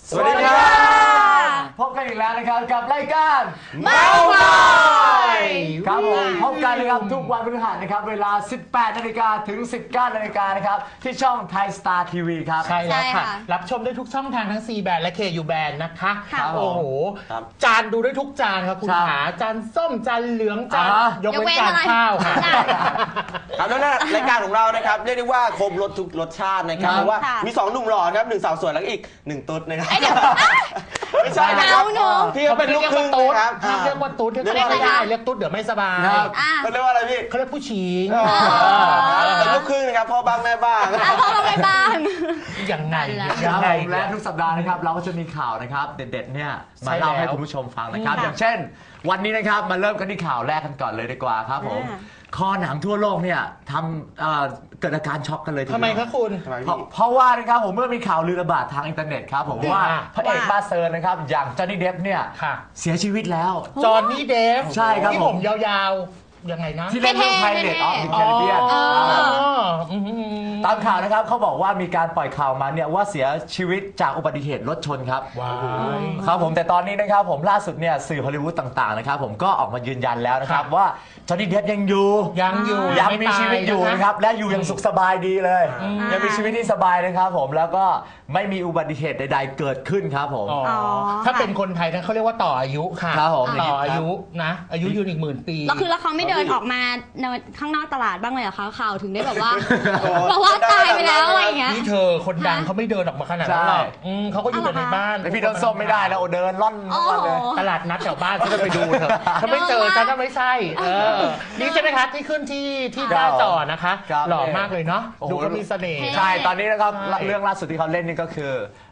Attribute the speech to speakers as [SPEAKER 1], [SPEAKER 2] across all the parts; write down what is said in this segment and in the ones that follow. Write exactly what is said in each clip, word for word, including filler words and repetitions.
[SPEAKER 1] สวัสดีครับพบกันอีกแล้วนะครับกับรายการเมาส์มอยครับผมพบกันนะครับทุกวันพฤหัสนะครับเวลา สิบแปดนาฬิกา ถึง สิบเก้านาฬิกานะครับที่ช่องไทยสตาร์ทีวีครับ
[SPEAKER 2] ใช่แล้วค่ะรับชมได้ทุกช่องทางทั้ง ซี แบนด์และ เค ยู แบนด์นะคะโอ้โหจานดูได้ทุกจานครับคุณขาจานส้มจานเหลืองจานยกเว้นจานข้าวค่ะ
[SPEAKER 3] ครับแล้วนะรายการของเรานะครับเรียกได้ว่าครบรสทุกรสชาตินะครับเพราะว่ามีสองหนุ่มหล่อครับหนึ่งสาวสวยแล้วก็อีกหนึ่งตุ๊ดนะครับไม่ใช่นะครับพี่เขาเป็นลูกครึ่งครับ
[SPEAKER 2] ห้ามเรียกว่าตุ๊ดเรียกไม่ได้เรียกตุ๊ดเดี๋ยวไม่สบาย
[SPEAKER 3] เขาเรียกว่าอะไรพี่
[SPEAKER 2] เขาเรียกผู้ชิง
[SPEAKER 3] เป็นลูกครึ่งนะครับพ่อบ้างแม่บ้าง
[SPEAKER 4] พ่อบ้างแม่บ้าง
[SPEAKER 2] ยังไง
[SPEAKER 1] ยังไงและทุกสัปดาห์นะครับเราก็จะมีข่าวนะครับเด็ดๆเนี่ยมาเล่าให้คุณผู้ชมฟังนะครับอย่างเช่นวันนี้นะครับมาเริ่มกันที่ข่าวแรกกันก่อนเลยดีกว่าครับผมคอหนังทั่วโลกเนี่ยทำเกิดอาการช็อกกันเลยทีเดียว
[SPEAKER 2] ทำไมครับคุณ
[SPEAKER 1] เพราะว่านะครับผมเมื่อมีข่าวลือระบาดทางอินเทอร์เน็ตครับผมว่าพระเอกบ้าเซอร์นะครับอย่างจอห์นนี่เดฟเนี่ยเสียชีวิตแล้ว
[SPEAKER 2] จอห์นนี่เดฟ
[SPEAKER 1] ใช่ครับ
[SPEAKER 2] ที่ผมยาวๆยังไงนะ
[SPEAKER 1] ที่เล่นเรื่องไพเรตออฟเดอะแคริบเบียนตามข่าวนะครับเขาบอกว่ามีการปล่อยข่าวมาเนี่ยว่าเสียชีวิตจากอุบัติเหตุรถชนครับครับผมแต่ตอนนี้นะครับผมล่าสุดเนี่ยสื่อฮอลลีวูดต่างๆนะครับผมก็ออกมายืนยันแล้วนะครับว่าจอห์นนี่เดฟยังอยู่
[SPEAKER 2] ยังอยู่
[SPEAKER 1] ยังมีชีวิตอยู่นะครับและอยู่ยังสุขสบายดีเลยยังมีชีวิตที่สบายนะครับผมแล้วก็ไม่มีอุบัติเหตุใดๆเกิดขึ้นครับผม
[SPEAKER 2] ถ้าเป็นคนไทยนั้นเขาเรียกว่าต่ออายุค่ะต่ออายุนะอายุยืนอีกหมื่นปี
[SPEAKER 4] แล้วคือแล้วเขาไม่เดินออกมาข้างนอกตลาดบ้างเลยเหรอคะข่าวถึงได้แบบว่าเพราะว่าตายไปแล้วอะไรอย่างเงี้ย
[SPEAKER 2] นี่เธอคนดังเขาไม่เดินออกมาขนาดนั้นหรอกเขาก็อยู่แต่ในบ้าน
[SPEAKER 1] แต่พี่ต้นส้มไม่ได้แล้วเดินล่อนเลย
[SPEAKER 2] ตลาดนัดแถวบ้านฉันจะไปดูเถอะถ้าไม่เจอฉันก็ไม่ใช่นี่ใช่ไหมคะที่ขึ้นที่ที่หน้าจอนะคะหล่อมากเลยเนาะดูก็มีเสน่ห์
[SPEAKER 1] ใช่ตอนนี้นะครับเรื่องล่าสุดที่เขาเล่นนี่ก็คือ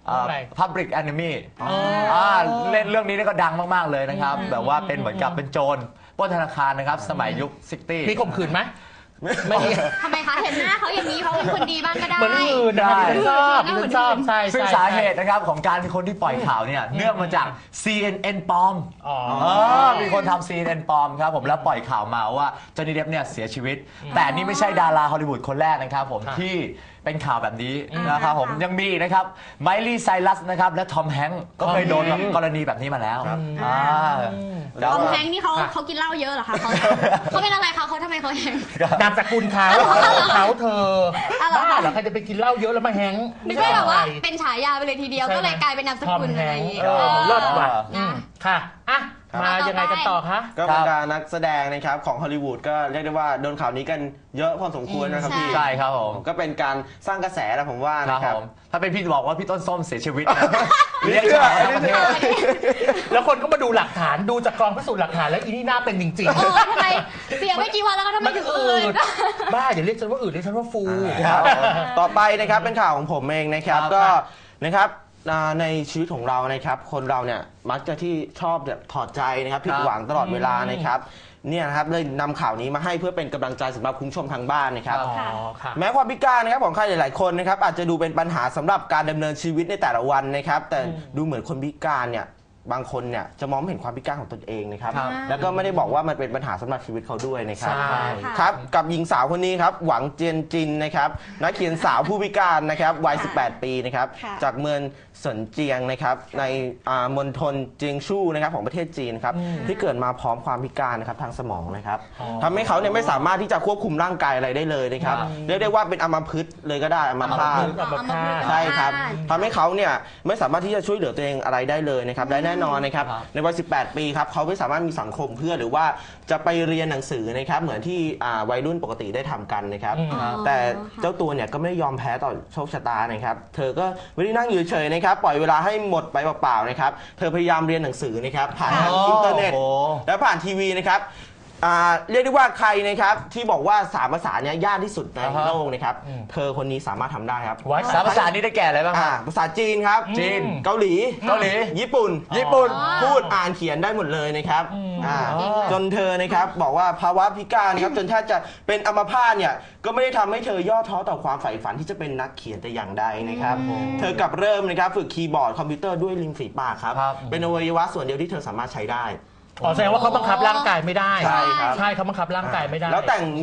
[SPEAKER 1] Public Enemy เล่นเรื่องนี้ก็ดังมากๆเลยนะครับแบบว่าเป็นเหมือนกับเป็นโจรปล้นธนาคารนะครับสมัยยุคซิกตี้
[SPEAKER 2] มีข่มขืนไหม
[SPEAKER 4] ไม่ทำไมคะเห็นหน้าเขาอย่างนี้เขาเป็นคนดีบ้างก็ได้
[SPEAKER 2] เหมือนอื่นได้ชอบชอบใช่
[SPEAKER 1] ซึ่งสาเหตุนะครับของการเป็นคนที่ปล่อยข่าวเนี่ยเนื่องมาจาก ซี เอ็น เอ็น ปลอมมีคนทำ ซี เอ็น เอ็น ปลอมครับผมแล้วปล่อยข่าวมาว่าจอห์นนี่เดฟเนี่ยเสียชีวิตแต่นี่ไม่ใช่ดาราฮอลลีวูดคนแรกนะครับผมที่เป็นข่าวแบบนี้นะครับผมยังมีนะครับไมลี่ไซรัสนะครับและทอมแฮงก์ก็เคยโดนกรณีแบบนี้มาแล้ว
[SPEAKER 4] ทอมแฮงก์นี่เขาเขากินเหล้าเยอะเหรอคะเขาเขาเป็นอะไรเขาเขาทำไมเขาแฮงก์
[SPEAKER 2] นามสกุลเขาเขาเธอบ้าเหรอใครจะไปกินเหล้าเยอะแล้วมาแฮงก์
[SPEAKER 4] ไม่ใช่แบบว่าเป็นฉายาไปเลยทีเดียวก็เลยกลายเป็นนามสกุลอะไรอย่างเงี้ย
[SPEAKER 2] เลิศว่ะค่ะอ่ะมายังไงกันต่อคะ
[SPEAKER 3] ก็บรรดานักแสดงนะครับของฮอลลีวูดก็เรียกได้ว่าโดนข่าวนี้กันเยอะพอสมควรนะครับพี่
[SPEAKER 1] ใช่ครับผม
[SPEAKER 3] ก็เป็นการสร้างกระแสนะผมว่านะครับ
[SPEAKER 1] ถ้าเป็นพี่บอกว่าพี่ต้นส้มเสียชีวิต
[SPEAKER 3] เรียกเชื่อ
[SPEAKER 2] แล้วคนก็มาดูหลักฐานดูจากกองพิสูจน์หลักฐานแล้วอีนี่น่าเป็นจริงๆ
[SPEAKER 4] เออทำไมเสียไม่กี่วันแล้วก็ทำไมถึงอืด
[SPEAKER 2] บ้าอย่าเรียกฉันว่าอืดเรียกฉันว่าฟู
[SPEAKER 3] ต่อไปนะครับเป็นข่าวของผมเองนะครับก็นะครับในชีวิตของเรานะครับคนเราเนี่ยมักจะที่ชอบแบบถอดใจนะครับผิดหวังตลอดเวลานะครับเนี่ยนะครับเลยนำข่าวนี้มาให้เพื่อเป็นกำลังใจสำหรับคุณผู้ชมทางบ้านนะครับแม้ความพิการนะครับของใครหลายๆคนนะครับอาจจะดูเป็นปัญหาสำหรับการดำเนินชีวิตในแต่ละวันนะครับแต่ดูเหมือนคนพิการเนี่ยบางคนเนี่ยจะมองไม่เห็นความพิการของตนเองนะครับแล้วก็ไม่ได้บอกว่ามันเป็นปัญหาสำหรับชีวิตเขาด้วยนะครับครับกับหญิงสาวคนนี้ครับหวังเจียนจินนะครับนักเขียนสาวผู้พิการนะครับวัยสิบแปดปีนะครับจากเมืองเซินเจียงนะครับในมณฑลเจียงชู่นะครับของประเทศจีนครับที่เกิดมาพร้อมความพิการนะครับทางสมองนะครับทำให้เขาเนี่ยไม่สามารถที่จะควบคุมร่างกายอะไรได้เลยนะครับเรียกได้ว่าเป็นอัมพฤกษ์เลยก็ได้อัมพาตใช่ครับทำให้เขาเนี่ยไม่สามารถที่จะช่วยเหลือตัวเองอะไรได้เลยนะครับและแน่นอนนะครับในวัยสิบแปดปีครับเขาไม่สามารถมีสังคมเพื่อหรือว่าจะไปเรียนหนังสือนะครับเหมือนที่วัยรุ่นปกติได้ทำกันนะครับแต่เจ้าตัวเนี่ยก็ไม่ยอมแพ้ต่อโชคชะตานะครับเธอก็ไม่ได้นั่งอยู่เฉยนะครับปล่อยเวลาให้หมดไปเปล่าๆนะครับเธอพยายามเรียนหนังสือนะครับผ่านอินเทอร์เน็ตและผ่านทีวีนะครับเรียกได้ว่าใครนะครับที่บอกว่าสามภาษาเนี้ยยากที่สุดในโลกนะครับเธอคนนี้สามารถทำได้ครับ
[SPEAKER 1] สามภาษานี้ได้แก่อะไรบ้าง
[SPEAKER 3] ภาษาจีนครับ
[SPEAKER 1] จีน
[SPEAKER 3] เกาหลี
[SPEAKER 1] เกาหลี
[SPEAKER 3] ญี่ปุ่น
[SPEAKER 1] ญี่ปุ่น
[SPEAKER 3] พูดอ่านเขียนได้หมดเลยนะครับจนเธอนะครับบอกว่าภาวะพิการครับจนแทบจะเป็นอัมพาตเนี่ยก็ไม่ได้ทำให้เธอย่อท้อต่อความใฝ่ฝันที่จะเป็นนักเขียนแต่อย่างใดนะครับเธอกลับเริ่มนะครับฝึกคีย์บอร์ดคอมพิวเตอร์ด้วยริมฝีปากครับเป็นอวัยวะส่วนเดียวที่เธอสามารถใช้ได้
[SPEAKER 2] อ๋อแสดงว่าเขาบังคับร่างกายไม่ได้
[SPEAKER 3] ใช่ครับ
[SPEAKER 2] ใช่เขาบังคับร่างกายไม่ได้
[SPEAKER 3] แล้วแต่งนิ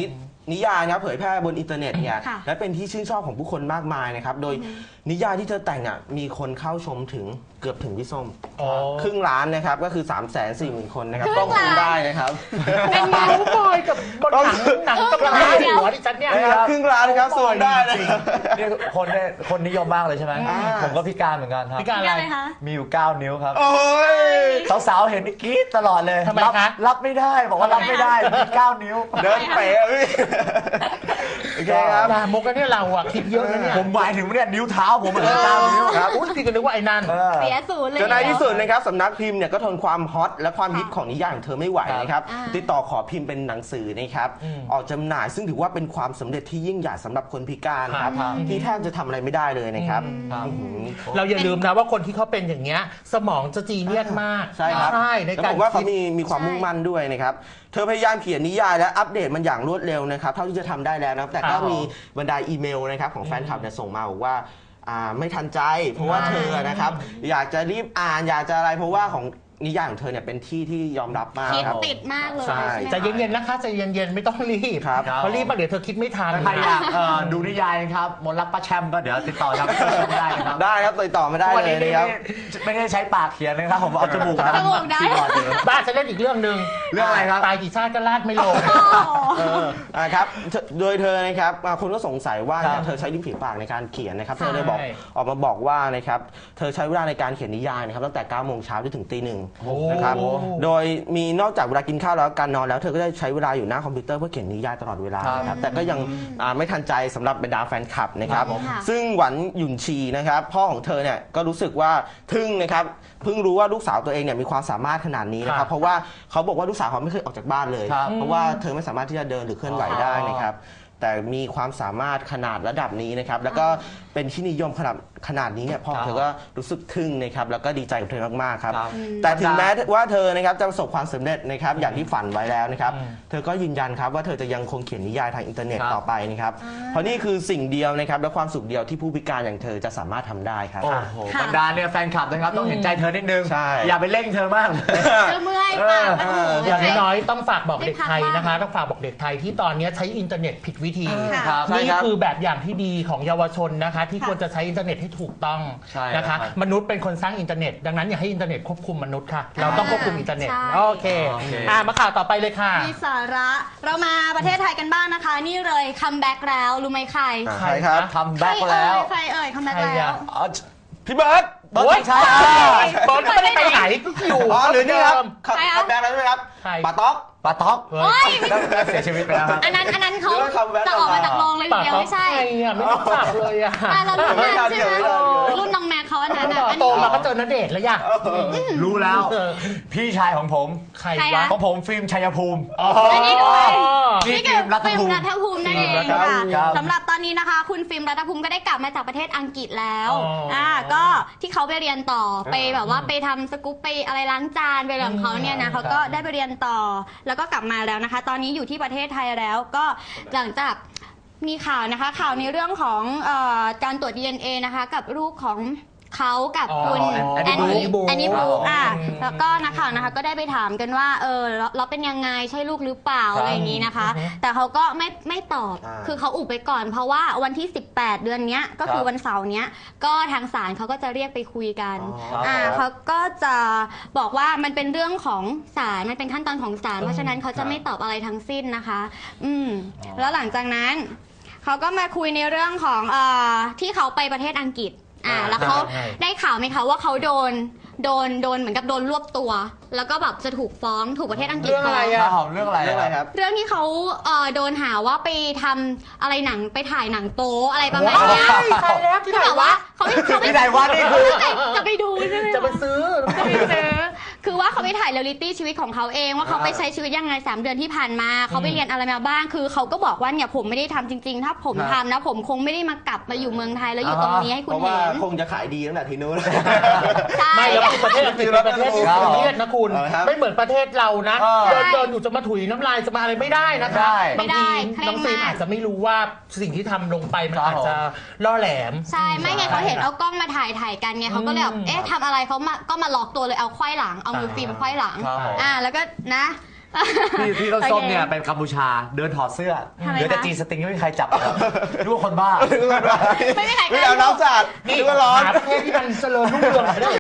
[SPEAKER 3] นิยายนะครับเผยแพร่บนอินเทอร์เน็ตเนี่ย
[SPEAKER 4] ค่ะ
[SPEAKER 3] และเป็นที่ชื่นชอบของผู้คนมากมายนะครับโดยนิยายที่เธอแต่งอ่ะมีคนเข้าชมถึงเกือบถึงพี่ส้ม
[SPEAKER 2] อ๋อ
[SPEAKER 3] ครึ่งล้านนะครับก็คือ 3 4 0 0 0 0 คนนะครับ
[SPEAKER 4] ครึ่
[SPEAKER 3] ต้อง
[SPEAKER 4] งล้าน
[SPEAKER 3] คุมได้นะครับ
[SPEAKER 2] เป็นเมาส์บอยกับบนหนังหนังกำลังมาหัวดิฉันเนี่ย
[SPEAKER 3] นะครับครึ่งล้านนะครับซูมได้นะครับ
[SPEAKER 1] นี่คนได้คนนิยมมากเลยใช่ไหม
[SPEAKER 3] อ่า
[SPEAKER 1] ผมก็พิการเหมือนกันครับ
[SPEAKER 2] พิการ
[SPEAKER 4] นี่อะไรคะ
[SPEAKER 1] มีอยู่เก้านิ้วครับ
[SPEAKER 3] โอ้ย
[SPEAKER 1] สาวๆเห็นกรี๊ดตลอดเลย
[SPEAKER 2] ทำไม
[SPEAKER 1] รับ
[SPEAKER 2] คะ
[SPEAKER 1] รับไม่ได้บอกว่ารับไม่ได้มีเก้านิ้ว
[SPEAKER 3] เดินเป๋พี่โอเคครับ
[SPEAKER 2] ลามกกันเนี่ยเราอะคิดเยอะนะเนี่ย
[SPEAKER 1] ผมหมายถึงเนี่ยนิ้วเท้าผมเหมือนเก้านิ้ว
[SPEAKER 2] ครับอุ้ยพี่ก็นึกว่าไอ้นั่น
[SPEAKER 1] เออ
[SPEAKER 4] เสียศูนย์เลย
[SPEAKER 3] จนในที่สุดนะครับสำนักพิมพ์เนี่ยก็ทนความฮอตและความฮิตของนิยายของเธอไม่ไหวนะครับ
[SPEAKER 4] อ่า
[SPEAKER 3] ติดต่อขอพิมพ์เป็นหนังสือนะครับ
[SPEAKER 2] อืม
[SPEAKER 3] ออกจำหน่ายซึ่งถือว่าเป็นความสำเร็จที่ยิ่งใหญ่สำหรับคนพิการครับ
[SPEAKER 1] ครับ
[SPEAKER 3] ที่แทบจะทำอะไรไม่ได้เลยนะครับ
[SPEAKER 1] ครับ
[SPEAKER 3] อื้อหือ
[SPEAKER 2] เราอย่าลืมนะว่าคนที่เขาเป็นอย่างเงี้ยสมองจะจีเนียสมาก
[SPEAKER 3] ใช่ครับ
[SPEAKER 2] ใช่ใน
[SPEAKER 3] แล้ว
[SPEAKER 2] การ
[SPEAKER 3] ผมว่าเขา
[SPEAKER 2] คิด
[SPEAKER 3] มีมีความ
[SPEAKER 4] ใช่
[SPEAKER 3] มุ่งมั่นด้วยนะครับ เธอพยายามเขียนนิยายและอัปเดตมันอย่างรวดเร็วนะครับเท่าที่จะทำได้แล้วนะครับแต่ก็
[SPEAKER 2] ครับ
[SPEAKER 3] มีบรรดาอีเมลนะครับของแฟนคลับเนี่ยส่งมาบอกว่าอ่าไม่ทันใจ เพราะว่าเธอนะครับอยากจะรีบอ่านอยากจะอะไรเพราะว่าของนิยายของเธอเนี่ยเป็นที่ที่ยอมรับมาก
[SPEAKER 4] คิด
[SPEAKER 3] ครับ
[SPEAKER 4] ติดมากเลย
[SPEAKER 3] ใช่
[SPEAKER 4] ใช่ไหม
[SPEAKER 2] ใจเย็นๆนะคะใจเย็นๆไม่ต้องรีบ
[SPEAKER 3] ครับ
[SPEAKER 2] เพราะรีบมาเดี๋ยวเธอคิดไม่ทัน
[SPEAKER 1] ถ้าใครอยากเอ่อดูนิยายนะครับมนต์รักป้าแชมป์ก็เดี๋ยวติดต่อทางเฟซบุ๊กได้นะครับ
[SPEAKER 3] ได้ครับติดต่อมาได้
[SPEAKER 1] วัน
[SPEAKER 3] เล
[SPEAKER 1] นี้
[SPEAKER 3] ยนะครับ
[SPEAKER 1] ไม่ได้ใช้ปากเขียนนะครับผมเอาจมูกนะ
[SPEAKER 4] จมูกได้
[SPEAKER 1] ที่บอร์ดเลย
[SPEAKER 2] บ้านจะเล่นอีกเรื่องหนึ่ง
[SPEAKER 1] เรื่องอะไรครับ
[SPEAKER 2] ตายกี่ชาติก็ลาดไม่ลง
[SPEAKER 4] โอ้โห
[SPEAKER 3] เอออ่าครับเธอโดยเธอนะครับอ่าคนก็สงสัยว่า
[SPEAKER 1] ครับ
[SPEAKER 3] เธอใช้ริมฝีปากในการเขียนนะครับ
[SPEAKER 2] ใช่
[SPEAKER 3] เธอเลยบอกออกมาบอกว่านะครับเธอใช้เวลาในการเขียนนิยายนะครับตั้งแต่เก้าโมงเช้าจนถึงตีหนึ่งนะครับ
[SPEAKER 2] โอ้
[SPEAKER 3] โดยมีนอกจากเวลากินข้าวแล้วการนอนแล้วเธอก็ได้ใช้เวลาอยู่หน้าคอมพิวเตอร์เพื่อเขียนนิยายตลอดเวลา
[SPEAKER 1] ครับ
[SPEAKER 3] นะครับแต่ก็ยังอ่าไม่ทันใจสำหรับบรรดาแฟนคลับนะครับ
[SPEAKER 1] ครับผม
[SPEAKER 4] ค่ะ
[SPEAKER 3] ซึ่งหวันหยุนชีนะครับพ่อของเธอเนี่ยก็รู้สึกว่าทึ่งนะครับเพิ่งรู้ว่าลูกสาวตัวเองเนี่ยมีความสามารถขนาดนี้นะค
[SPEAKER 2] ครั
[SPEAKER 3] รับบ เพราะว่าเขาบอกว่าลูกสาวเขาไม่เคยออกจากบ้านเลย
[SPEAKER 1] ครับ
[SPEAKER 3] เพราะว่าเธอไม่สามารถที่จะเดินหรือเคลื่อนไหวได้นะครับ แต่มีความสามารถขนาดระดับนี้นะครับ แล้วก็เป็นที่นิยมขนาดขนาดนี้เนี่ยพ่อ
[SPEAKER 1] ครับ
[SPEAKER 3] เธอก็รู้สึกทึ่งนะครับ แล้วก็ดีใจกับเธอมากๆครับ
[SPEAKER 1] ครับ
[SPEAKER 3] แต่ถึงแม้ว่าเธอนะครับจะประสบความสำเร็จนะครับ อย่างที่ฝันไว้แล้วนะครับ
[SPEAKER 2] อืม
[SPEAKER 3] เธอก็ยืนยันครับว่าเธอจะยังคงเขียนนิยายทางอินเทอร์เน็ต
[SPEAKER 1] ครับ
[SPEAKER 3] ต่อไปนะครับ เพราะนี่คือสิ่งเดียวนะครับ และความสุขเดียวที่ผู้พิการอย่างเธอจะสามารถทำได้ครับ
[SPEAKER 1] โอ้โห
[SPEAKER 4] ค่ะ
[SPEAKER 1] บรรดาเนี่ยแฟนคลับนะครับต้องเห็นใจเธอนิดนึง
[SPEAKER 3] ใช่
[SPEAKER 1] อย่าไปเร่งเธอมากเลย
[SPEAKER 4] เจอเมื่อยปากโอ้โห
[SPEAKER 2] อย่างน้อยๆต้องฝากบอกเด็กไทย
[SPEAKER 4] ได้พักบ้าง
[SPEAKER 2] นะคะ ต้องฝากบอกเด็กไทยที่ตอนนี้ใช้อินเทอร์เน็ตผิดวิธี
[SPEAKER 4] ค่ะ
[SPEAKER 1] ครับ
[SPEAKER 3] ใช่
[SPEAKER 2] นี่
[SPEAKER 3] ครับ
[SPEAKER 2] คือแบบอย่างที่ดีของเยาวชนนะคะ ที่
[SPEAKER 4] ค่ะ
[SPEAKER 2] ควรจะใช้อินเทอร์เน็ตให้ถูกต้อง
[SPEAKER 1] ใช่
[SPEAKER 2] นะคะ
[SPEAKER 1] ครับ
[SPEAKER 2] มนุษย์เป็นคนสร้างอินเทอร์เน็ต ดังนั้นอย่าให้อินเทอร์เน็ตควบคุมมนุษย์ค่ะ เราต้องควบคุมอินเทอร์เน็ต
[SPEAKER 4] ใช่
[SPEAKER 2] โอเค
[SPEAKER 1] โอเค
[SPEAKER 2] อ่ะมาข่าวต่อไปเลยค่ะ
[SPEAKER 4] มีสาระเรามาประเทศไทยกันบ้างนะคะ นี่เลยคัมแบ็กแล้วรู้ไหมใคร
[SPEAKER 3] อ่า
[SPEAKER 2] ใคร
[SPEAKER 3] ใช่ครับ
[SPEAKER 2] นะ
[SPEAKER 1] ทำแบ็คแล้ว
[SPEAKER 4] ใครเอ่ยคัมแบ็ก
[SPEAKER 2] ใคร
[SPEAKER 4] แล้ว
[SPEAKER 2] อะ
[SPEAKER 1] อ๋อ
[SPEAKER 3] พี่เบิร์ต
[SPEAKER 1] เบิร์ตใช่อ่ะ
[SPEAKER 2] บอลก็ไม่ได้ไปไหนก็อยู่
[SPEAKER 3] อ๋อหรือนี่ครับ
[SPEAKER 4] ใครอะ
[SPEAKER 3] คัมแบ็กแล้วใช่ไหมครับ
[SPEAKER 2] ใคร
[SPEAKER 3] ปาต๊อก
[SPEAKER 1] ปาท็อก
[SPEAKER 2] เฮ้
[SPEAKER 4] โอ้
[SPEAKER 2] ย
[SPEAKER 4] ย
[SPEAKER 1] แล้วเสียชีวิตไปแล้วครับ
[SPEAKER 4] อันนั้นอันนั้นเขา
[SPEAKER 3] หรือว่า comeback
[SPEAKER 4] จะออกมาจากโรงเลยที
[SPEAKER 2] ปาก
[SPEAKER 4] เดียว
[SPEAKER 2] ต้อง
[SPEAKER 4] ไม่ใช่
[SPEAKER 2] ใครอ่ะไม่รู้จักเลยอ่ะ
[SPEAKER 4] อ่ะเรารุ่นนั้นใช่ไหม
[SPEAKER 3] ไม่ทันเดี๋ยว
[SPEAKER 4] รุ่นน้องแม็กเขาอันนั้น
[SPEAKER 2] ต่
[SPEAKER 4] อ่ะ
[SPEAKER 2] อ
[SPEAKER 4] อัน
[SPEAKER 2] โต
[SPEAKER 4] นี้
[SPEAKER 2] มาก็เจอณเดชน์แล้วย่ะ
[SPEAKER 1] รู้แล้ว
[SPEAKER 2] เออ
[SPEAKER 1] พี่ชายของผม
[SPEAKER 2] ใคร
[SPEAKER 4] ใคร
[SPEAKER 2] วะ
[SPEAKER 4] อะ
[SPEAKER 1] ของผมฟิล์มชัยภูมิ
[SPEAKER 2] อ๋อ
[SPEAKER 4] อันนี้ด้วย
[SPEAKER 1] นี่
[SPEAKER 4] นี่
[SPEAKER 1] ฟิ
[SPEAKER 4] คือ
[SPEAKER 1] ล์มรัฐ
[SPEAKER 4] ฟิล์ม
[SPEAKER 1] ภูมิ
[SPEAKER 4] รัฐภูมินั่นเอง
[SPEAKER 2] ฟิล์มรัฐภู
[SPEAKER 4] ค่ะ
[SPEAKER 2] มิ
[SPEAKER 1] ครับ
[SPEAKER 4] สำหรับตอนนี้นะคะ คุณฟิล์มรัฐภูมิก็ได้กลับมาจากประเทศอังกฤษแล้ว
[SPEAKER 2] อ๋ออ่
[SPEAKER 4] อ่าก็ที่เขาไปเรียนต่อไปแบบว่าไปทำสกู๊ปไปอะไรล้างจานไปอะไรของเขาเนี่ยนะเขาก็ได้ไปเรียนต่อแล้วก็กลับมาแล้วนะคะ ตอนนี้อยู่ที่ประเทศไทยแล้วก็หลังจากมีข่าวนะคะข่าวในเรื่องของเอ่อการตรวจ ดี เอ็น เอ นะคะกับลูกของเขากับ
[SPEAKER 2] อ๋อ
[SPEAKER 4] คุณ
[SPEAKER 1] แอน
[SPEAKER 4] แอน
[SPEAKER 1] นี่
[SPEAKER 4] นี่
[SPEAKER 2] บลู
[SPEAKER 4] แอนนี่บลู
[SPEAKER 1] อ๋ออ่
[SPEAKER 4] อ่ะแล้วก็นักข่าวนะคะก็ได้ไปถามกันว่าเออเราเราเป็นยังไงใช่ลูกหรือเปล่า
[SPEAKER 1] ครับ
[SPEAKER 4] อะไรอย่างนี้นะคะ
[SPEAKER 2] อือฮึ
[SPEAKER 4] แต่เขาก็ไม่ไม่ตอบ
[SPEAKER 3] อ่า
[SPEAKER 4] คือเขาอุบไปก่อน เพราะว่าวันที่ สิบแปด เดือนเนี้ยก็คือ
[SPEAKER 1] ครับ
[SPEAKER 4] วันเสาร์เนี้ยก็ทางศาลเขาก็จะเรียกไปคุยกัน
[SPEAKER 1] อ๋ออ่
[SPEAKER 4] อ่าเขาก็จะบอกว่ามันเป็นเรื่องของศาลมันเป็นขั้นตอนของศาลเพราะฉะนั้นเขาจะไม่ตอบอะไรทั้งสิ้นนะคะ อืมแล้วหลังจากนั้นเขาก็มาคุยในเรื่องของเอ่อที่เขาไปประเทศอังกฤษอ่าแล้วเขา
[SPEAKER 2] ใช่
[SPEAKER 4] ได้ข่าวไหมคะว่าเขาโดนโดนโดนเหมือนกับโดนรวบตัว แล้วก็แบบจะถูกฟ้องถูกประเทศอังกฤษ
[SPEAKER 2] เรื่องอะไร
[SPEAKER 4] ฟ้อง
[SPEAKER 2] อะ
[SPEAKER 1] มาหอมเรื่องอะไร
[SPEAKER 3] เรื่องอะไรครับ
[SPEAKER 4] เรื่องที่เขาเอ่อโดนหาว่าไปทำอะไรหนังไปถ่ายหนังโป๊อะไรประมาณเนี้ย
[SPEAKER 2] ใครแล้วที่ไหน
[SPEAKER 4] แบบ
[SPEAKER 2] วะ
[SPEAKER 4] ว่าเขาไม่เขาไม่
[SPEAKER 1] ที่ไหนวะนี่คือ
[SPEAKER 4] จะไปดูใช่ไหม
[SPEAKER 2] จะไปซื้อ
[SPEAKER 4] จะไปซื้อคือว่าเขาไปถ่ายเรียลลิตี้ชีวิตของเขาเองว่าเขาไปใช้ชีวิตยังไงสามเดือนที่ผ่านมาเขาไปเรียนอะไรมาบ้าง คือเขาก็บอกว่าเนี่ยผมไม่ได้ทำจริง ๆ ถ้าผม
[SPEAKER 1] ครับ
[SPEAKER 4] ทำนะผมคงไม่ได้มากลับมาอยู่เมืองไทยแล้วอยู่ตรงนี้ให้คุ
[SPEAKER 3] เพ
[SPEAKER 4] ณ
[SPEAKER 3] ราะว่า
[SPEAKER 4] เห็น
[SPEAKER 3] คงจะขายดีตั้งแต่ทีนู้น
[SPEAKER 4] ใช่
[SPEAKER 2] ไม่แล้วคือประเทศอังกฤษเป็นประเทศที่
[SPEAKER 1] ครับ
[SPEAKER 2] ซีเรียสนะคุณ
[SPEAKER 3] เอาละครับ
[SPEAKER 2] ไม่เหมือนประเทศเรานะ
[SPEAKER 1] เออ
[SPEAKER 2] เดินเดินอยู่จะมาถุยน้ำลายจะมาอะไรไม่ได้นะคะ
[SPEAKER 1] ได้
[SPEAKER 2] บางทีน้องฟิล์มอาจจะไม่รู้ว่าสิ่งที่ทำลงไปมัน
[SPEAKER 1] ครับ
[SPEAKER 2] อาจจะล่อแหลม
[SPEAKER 4] ใช่ไม่ไงเขาเห็นเอากล้องมาถ่ายถ่ายกันไงเขาก็เลยแบบ
[SPEAKER 2] อืม
[SPEAKER 4] เอ๊ะทำอะไรเขามาก็มาล็อกตัวเลยเอาไขว้หลังเอามือฟิล์มไขว้หลัง
[SPEAKER 1] ครับผม
[SPEAKER 4] อ่าแล้วก็นะ
[SPEAKER 1] พี่พี่ต้นส้มเนี่ยเป็นกัมพูชาเดินถอดเสื้อ
[SPEAKER 4] ทำไม
[SPEAKER 1] เดี๋ยวแต่
[SPEAKER 4] คะ
[SPEAKER 1] จีสติงไม่มีใครจับเลยครับรู้ว่าคนบ้า
[SPEAKER 4] ไม่มีใคร
[SPEAKER 3] ไม่เอาน้ำสาด
[SPEAKER 2] นี่
[SPEAKER 3] นึกว่าร้อน
[SPEAKER 2] หาประเทศที่มันเจริญรุ่งเรืองหน่อยได้